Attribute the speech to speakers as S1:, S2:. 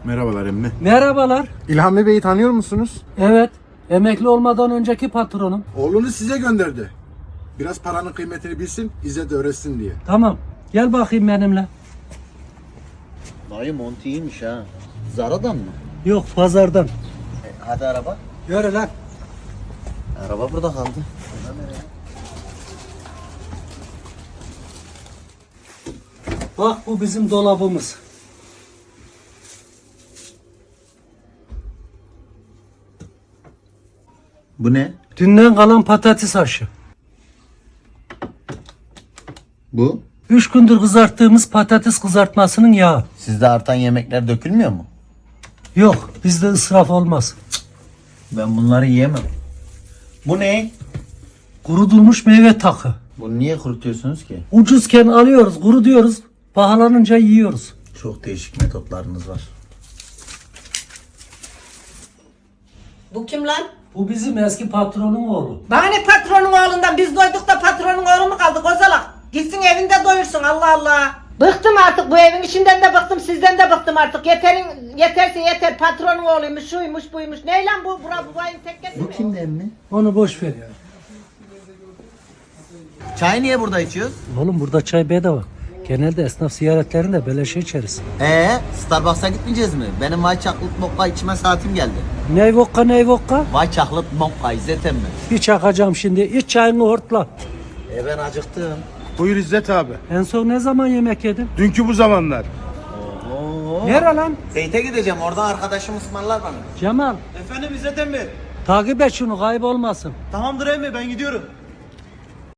S1: Merhabalar emmi.
S2: Merhabalar.
S1: İlhami Bey'i tanıyor musunuz?
S2: Evet, emekli olmadan önceki patronum.
S1: Oğlunu size gönderdi. Biraz paranın kıymetini bilsin, İzzet öğretsin diye.
S2: Tamam, gel bakayım benimle.
S3: Dayı mont iyiymiş ha. Zara'dan mı?
S2: Yok, pazardan.
S3: Hadi araba.
S2: Yürü lan.
S3: Araba burada kaldı.
S2: Bak bu bizim dolabımız.
S3: Bu ne?
S2: Dünden kalan patates haşı.
S3: Bu?
S2: 3 gündür kızarttığımız patates kızartmasının yağı.
S3: Sizde artan yemekler dökülmüyor mu?
S2: Yok, bizde ısraf olmaz.
S3: Ben bunları yiyemem. Bu ne?
S2: Kurutulmuş meyve takı.
S3: Bunu niye kurutuyorsunuz ki?
S2: Ucuzken alıyoruz, kurutuyoruz. Pahalanınca yiyoruz.
S3: Çok değişik metotlarınız var.
S4: Bu kim lan?
S2: Bu bizim eski patronun oğlu.
S4: Bana ne patronun oğlundan? Biz doyduk da patronun oğlu mu kaldı kozalak? Gitsin evinde doyursun Allah Allah. Bıktım artık bu evin işinden de bıktım sizden de bıktım artık. Yeterse yeter patronun oğluymuş şuymuş buymuş. Ne lan bu? Bu bayın tekkesi mi?
S3: Bu kimden mi?
S2: Onu boş ver ya.
S3: Çay niye burada içiyoruz?
S2: Oğlum burada çay bedava. Genelde esnaf ziyaretlerinde beleşe içeriz.
S3: Starbucks'a gitmeyeceğiz mi? Benim White Chocolate Mocha içme saatim geldi.
S2: Ney vodka ney vodka?
S3: White Chocolate Mocha İzzet emmi.
S2: Bir çakacağım şimdi. İç çayını hortla.
S3: Ben acıktım.
S1: Buyur İzzet abi.
S2: En son ne zaman yemek yedin?
S1: Dünkü bu zamanlar.
S3: Oo.
S2: Nere lan?
S3: Zeyt'e gideceğim. Oradan arkadaşım ısmarlar bana.
S2: Cemal.
S5: Efendim İzzet emmi.
S2: Takip et şunu kaybolmasın.
S5: Tamamdır emmi ben gidiyorum.